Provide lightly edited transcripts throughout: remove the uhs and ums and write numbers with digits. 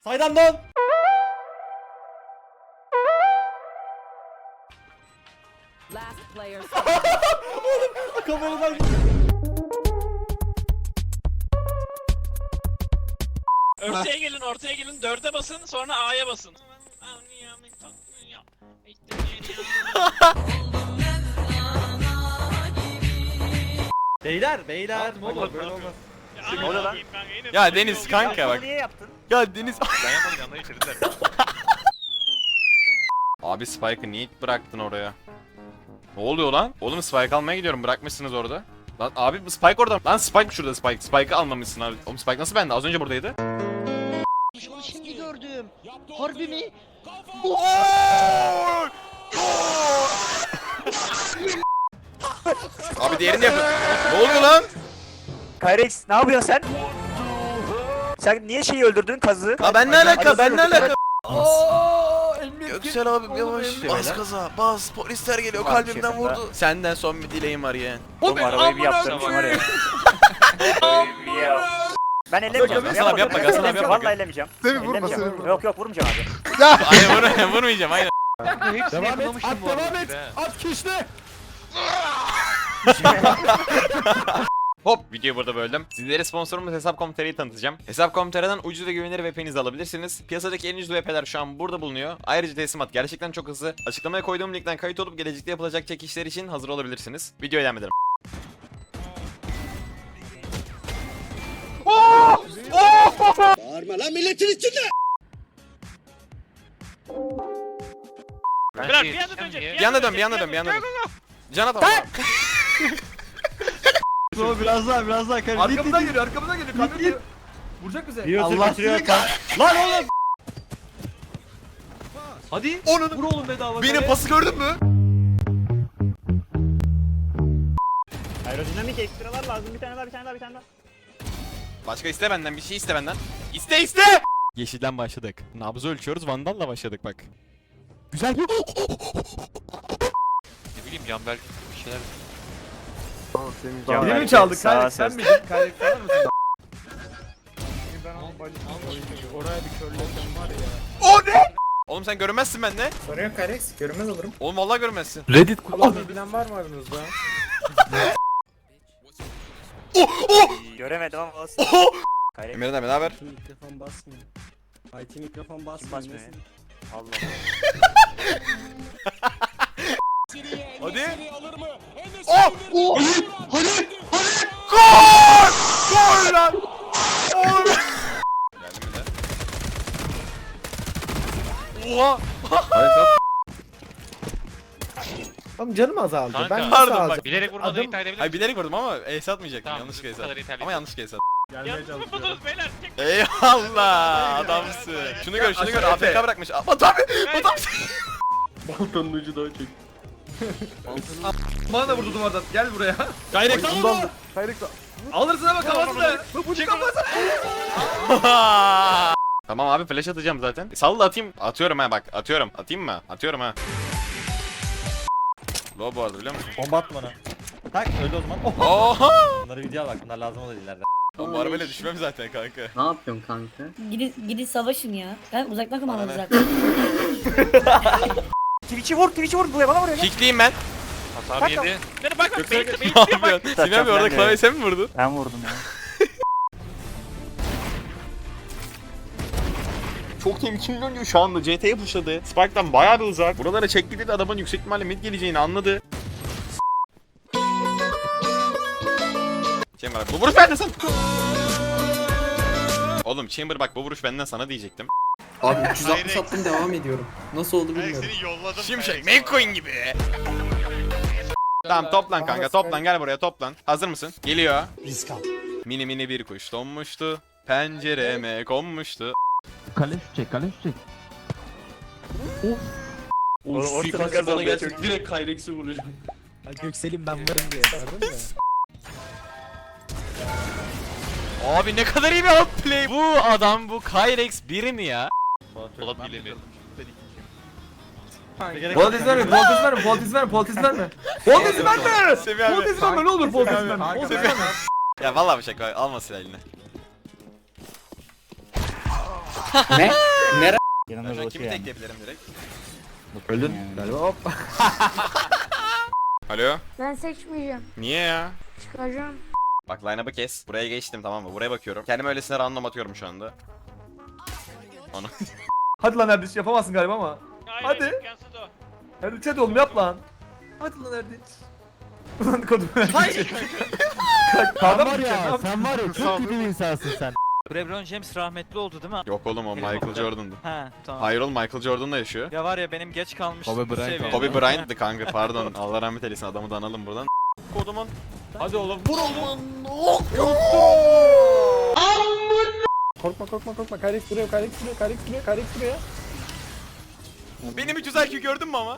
Saydan dön. Last player. Kameradan. Ortaya gelin 4'e basın sonra A'ya basın. Beyler. Olmaz, Böyle olmaz. Ne oluyor lan? Ya Deniz kanka bak. Niye yaptın? Ya Deniz. Ben yapmadım yanına getirdiler. Abi Spike'ı niye bıraktın oraya? Ne oluyor lan? Oğlum Spike almaya gidiyorum, bırakmışsınız orada. Lan abi bu Spike orada. Lan Spike şurada Spike. Spike'ı almamışsın abi. Oğlum Spike nasıl bende? Az önce buradaydı. Onu şimdi gördüm. Harbi mi? Abi diğerini yapın. Ne oluyor lan? Kyrex ne yapıyorsun sen? Sen niye şeyi öldürdün kazı? Ha ben ne alaka? Ben ne alaka? Göksel abim yavaş. Bas gaza. Bas. Polisler geliyor. Kalbimden vurdu. Senden son bir dileğim var yeğen. Oğlum arabayı bir yaptırmış var ya. Ben ellemeyeceğim. Hasan abi yapma, Hasan abi yapma. Vallahi ellemeyeceğim. Ellemeyeceğim. Yok vurmayacağım abi. Hayır vurmayacağım aynen. Devam et. At devam et. At kişne. Hop, videoyu burada böldüm. Sizlere sponsorumuz Hesap.com.tr'yi tanıtacağım. Hesap.com.tr'den ucuz ve güvenilir VPN'inizi alabilirsiniz. Piyasadaki en ucuz VPN'ler şu an burada bulunuyor. Ayrıca teslimat gerçekten çok hızlı. Açıklamaya koyduğum linkten kayıt olup gelecekte yapılacak çekişler için hazır olabilirsiniz. Videoya devam edelim. Bağırma lan milletin içinde. Beyler bir anda dönecek. Bir anda dön. Can at ama. Biraz daha kare. Arkamdan geliyor. Kamyon vuracak bize. Allah lan oğlum. Hadi. Vur oğlum bedava. Benim pası gördün mü? Aerodinamik ekstralar lazım. Bir tane daha. Başka iste benden, bir şey iste benden. İste! Yeşilden başladık. Nabzı ölçüyoruz, Vandal'la başladık bak. Güzel. Ne bileyim Canberk bir şeyler. Biri mi çaldı? Kayrek sen miydin? Kayrek sen mısın? Oğlum sen görünmezsin bende. Sorun yok Kyrex, görünmez olurum. Oğlum vallahi görünmezsin. Reddit kullanmayı bilen var mı aranızda? Göremedim ama olsun. Kyrex Emirhan abi ne haber? Mikrofon basmıyor. IT mikrofon basmıyor. basmıyor. Allah Hadi. Oh! Hadi! Gol lan! Oğlum! Geldi mi de? Oha! Oğlum canım azaldı. Kanka, Ben pardon, nasıl bak, alacağım? Bilerek vurmadan Adam- ithal edebilir Hayır misin? bilerek vurdum ama ace atmayacaktım. Tamam, Yanlışlıkla bu ace kadar attım. ithal Ama edin. yanlışlıkla ace attım. Gelmeye Yalnız çalışıyorum. mısınız beyler? Tek Eyvallah adamsın. Şunu gör aşağı AFK Efe. bırakmış. Ama tabii. Baltanın ucu daha çek. Bana da vurdu duvardan. Gel buraya. Gayret al onu. Alırsın ama kafasını. Bu kafasını. Tamam abi flash atacağım zaten. Salla atayım. Atıyorum ha bak. Atıyorum. Atayım mı? Atıyorum ha. Low bu arada biliyor musun? Bomba at bana. Tak öldü o zaman. Oh. Oha! Bunları video al bak. Bunlar lazım olur ileride. Oğlum bu arabayla düşmem zaten kanka. Ne yapıyorsun kanka? Gidin savaşın ya. Ben uzaktan kumandalı Bana ne? zaten. Twitch'i vur buraya bana vuruyor lan. Kickliyim ben. hasar yedi. Bak Ne yapıyorsun? Sinan Bey orada klavye sen mi vurdun? Ben vurdum ya. Çok temkinli oynuyor şu anda. CT'ye pushladı. Spike'dan bayağı bir uzak. Buralara çekti dedi adamın yüksek ihtimalle mid geleceğini anladı. Chamber bu vuruş benden sana. Oğlum Chamber bak bu vuruş benden sana diyecektim. Abi 360 attım devam ediyorum. Nasıl oldu bilmiyorum. yolladım. Şimşek McQueen gibi. Tamam toplan kanka toplan gel buraya toplan. Hazır mısın? Geliyor. Mini bir kuş donmuştu. Pencereme konmuştu. Kale çek. Ortada kazandı. Direkt Kyrex'i vuracağım. Göksel'im ben varım diye. Gördün mü? Abi ne kadar iyi bir outplay. Bu adam bu Kyrex biri mi ya? Polat bilemi. Voltiz verme. Voltiz verme. Semih abi. Voltiz verme ne olur voltiz verme. Voltiz verme. Ya vallahi bir şaka alma silahını. Ne? Nere? Ben şu an kimi tekleyebilirim direkt? Öldün galiba hop. Alo? Ben seçmeyeceğim. Niye ya? Çıkacağım. Bak line-up'ı kes. Buraya geçtim tamam mı? Buraya bakıyorum. Kendime öylesine random atıyorum şu anda. Onu. Hadi lan Erdinç yapamazsın galiba ama. Hadi. imkansız o. Erdinç hadi oğlum yap lan. Hadi lan Erdinç. Ulan kodum Erdinç. Hayır. Sen var ya sen var ya çok kötü bir insansın sen. LeBron James rahmetli oldu değil mi? Yok oğlum o Michael Jordan'dı. He tamam. Hayır oğlum Michael Jordan'la yaşıyor. Ya var ya benim geç kalmıştım. Kobe Bryant seviyede. Kobe Bryant'dı kanka pardon. Allah rahmet eylesin adamı da analım buradan. Kodumun. Hadi oğlum vur oğlum. Korkma. Kayrex duruyor. Benim 300 IQ gördün mü ama?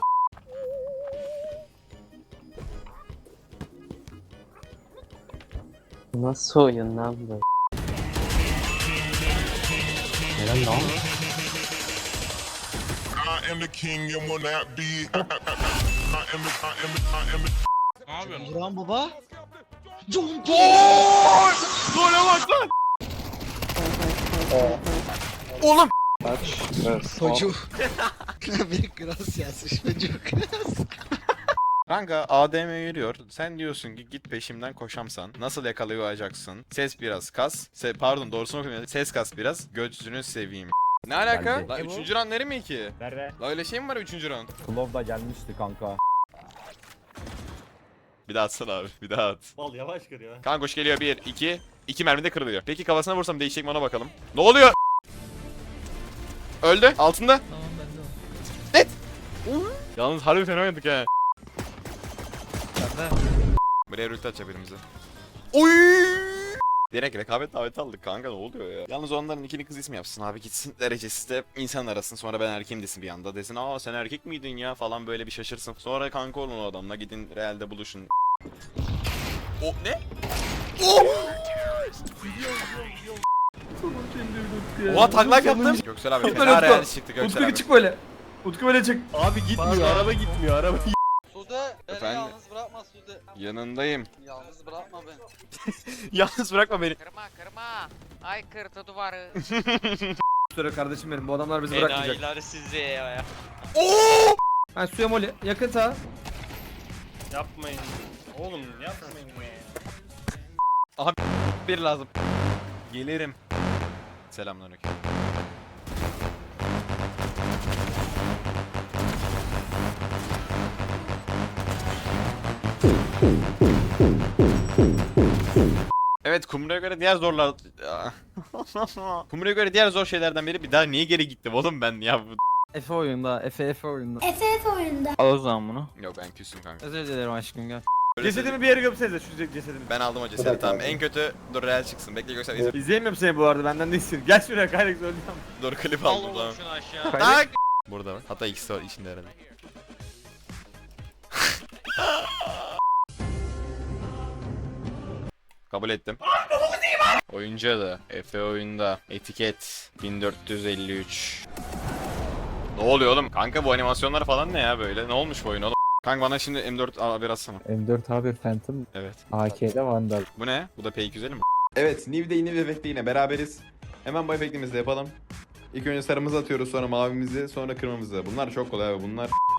Nasıl oyun lan bu? Ne yapıyorsun? Buran baba. Oğlum. Çocuk. Bir gracias çocuk. Kanka ADM yürüyor. Sen diyorsun ki git peşimden koşamsan. Nasıl yakalayacaksın? Ses biraz kas. Pardon doğrusunu okumuyorum. Ses kas biraz. Gözünü seveyim. Ne alaka? Lan 3. round nere mi ki? Nerede? La öyle şey mi var 3. round? Klov da gelmişti kanka. Bir daha atsana abi. Bir daha at. Bal yavaş kır ya. Kanka koş geliyor 1 2. 2 mermi de kırılıyor. Peki kafasına vursam değişecek mi ona bakalım. Ne oluyor? Öldü. Altında. Tamam ben de o. Net. Yalnız harbi fena oynadık ha. Ben de. Buraya ulti atacak birimize. Oy! Direkt rekabet daveti aldık kanka ne oluyor ya? Yalnız onların ikili kız ismi yapsın abi gitsin derecesi de insan arasın sonra ben erkeğim desin bir anda desin aa sen erkek miydin ya falan böyle bir şaşırsın. Sonra kanka olun o adamla gidin realde buluşun. O ne? Oha taklak yaptım. Göksel abi Utku, fena Utku. realist çıktı Göksel Utku abi. çık böyle. Utku böyle çık. Abi gitmiyor araba gitmiyor araba. Sude beni Efendim? yalnız bırakma Sude. Yanındayım. Yalnız bırakma beni. Yalnız bırakma beni. Kırma. Ay kırdı duvarı. Söyle kardeşim benim bu adamlar bizi bırakmayacak. Enayiler sizi ya. Oo! Ben suya moli. Yakın sağ. Yapmayın. Oğlum yapmayın ya. Bir lazım. Gelirim. Selamünaleyküm. Evet Kumru'ya göre diğer zorlar... Kumru'ya göre diğer zor şeylerden biri bir daha niye geri gittim oğlum ben ya bu... Efe oyunda, Efe oyunda. FF oyunda. Al o zaman bunu. Yok ben küstüm kanka. Özür dilerim aşkım gel. Öyle Cesedimi bir yere gömsenize şu cesedimi. ben aldım o cesedi tamam en kötü dur real çıksın bekle göster izle. İzleyemiyorum seni bu arada benden değilsin. Gel şuraya Kayrex öleceğim. Dur klip Al aldım oğlum tamam. şunu aşağı. Tak! Burada var hatta ikisi var içinde herhalde. Kabul ettim. Oyuncu adı Efe oyunda etiket 1453. Ne oluyor oğlum? Kanka bu animasyonlar falan ne ya böyle? Ne olmuş bu oyun oğlum? Kanka bana şimdi M4 haber atsana. M4 Phantom Evet. AK'de Vandal. Bu ne? Bu da P250 mi? Evet, Niv'de yine bir efekte yine beraberiz. Hemen bu efektimizi de yapalım. İlk önce sarımızı atıyoruz, sonra mavimizi, sonra kırmızı. Bunlar çok kolay abi. Bunlar